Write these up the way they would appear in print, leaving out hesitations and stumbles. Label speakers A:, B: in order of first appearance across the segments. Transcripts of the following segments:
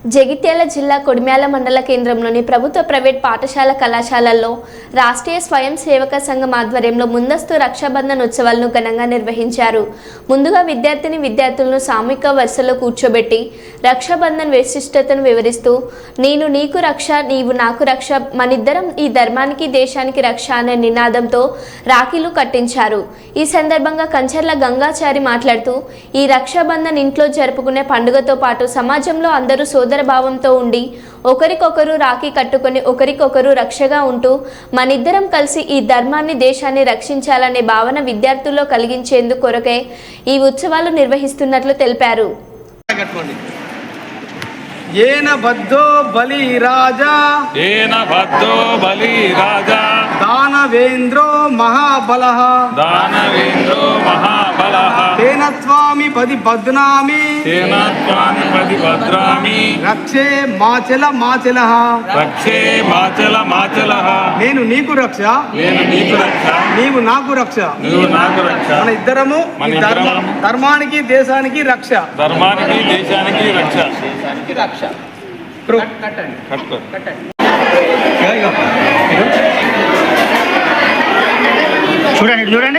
A: జగిత్యాల జిల్లా కొడిమ్యాల మండల కేంద్రంలోని ప్రభుత్వ ప్రైవేట్ పాఠశాల కళాశాలల్లో రాష్ట్రీయ స్వయం సేవక సంఘం ఆధ్వర్యంలో ముందస్తు రక్షాబంధన్ ఉత్సవాలను ఘనంగా నిర్వహించారు. ముందుగా విద్యార్థులను సామూహిక వరుసలో కూర్చోబెట్టి రక్షాబంధన్ విశిష్టతను వివరిస్తూ నేను నీకు రక్ష నీవు నాకు రక్ష మనిద్దరం ఈ ధర్మానికి దేశానికి రక్ష అనే నినాదంతో రాఖీలు కట్టించారు. ఈ సందర్భంగా కంచర్ల గంగాచారి మాట్లాడుతూ ఈ రక్షాబంధన్ ఇంట్లో జరుపుకునే పండుగతో పాటు సమాజంలో అందరూ సోదర భావంతో ఉండి ఒకరికొకరు రాఖీ కట్టుకొని ఒకరికొకరు రక్షగా ఉంటూ మనిద్దరం కలిసి ఈ ధర్మాన్ని దేశాన్ని రక్షించాలనే భావన విద్యార్థుల్లో కలిగించేందుకు కొరకే ఈ ఉత్సవాలు నిర్వహిస్తున్నట్లు తెలిపారు.
B: ఏన బద్ధో బలి రాజా దానవేంద్రో మహాబలః తేన త్వామి పది బధ్నామి రక్షే మాచల మాచలః నేను నీకు రక్ష నీవు నాకు రక్ష మన ఇద్దరము ధర్మానికి దేశానికి రక్ష
C: చూడండి చూడండి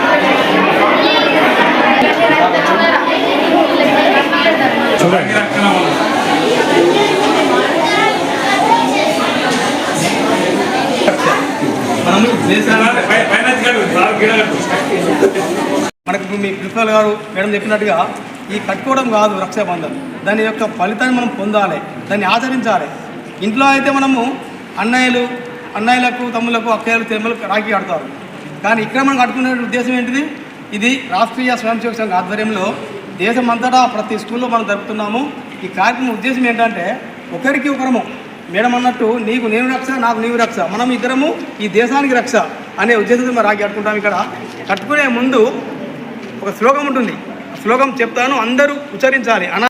B: మనకు మీ ప్రిన్సిపల్ గారు మేడం చెప్పినట్టుగా ఈ కట్టుకోవడం కాదు రక్షాబంధన్, దాని యొక్క ఫలితాన్ని మనం పొందాలి, దాన్ని ఆచరించాలి. ఇంట్లో అయితే మనము అన్నయ్యలకు తమ్ములకు అక్కయ్యలు తెమ్మలకు రాఖీ కడతారు, కానీ ఇక్కడ మనం కట్టుకునే ఉద్దేశం ఏంటిది? ఇది రాష్ట్రీయ స్వయం సేవక సంఘ ఆధ్వర్యంలో దేశమంతటా ప్రతి స్కూల్లో మనం జరుపుతున్నాము. ఈ కార్యక్రమం ఉద్దేశం ఏంటంటే ఒకరికి ఒకరము మేడం అన్నట్టు నీకు నేను రక్ష నాకు నీవు రక్ష మనం ఇద్దరము ఈ దేశానికి రక్ష అనే ఉద్దేశంతో మనం రాఖీ కట్టుకుంటాం. ఇక్కడ కట్టుకునే ముందు ఒక శ్లోకం ఉంటుంది, శ్లోకం చెప్తాను, అందరూ ఉచ్చరించాలి.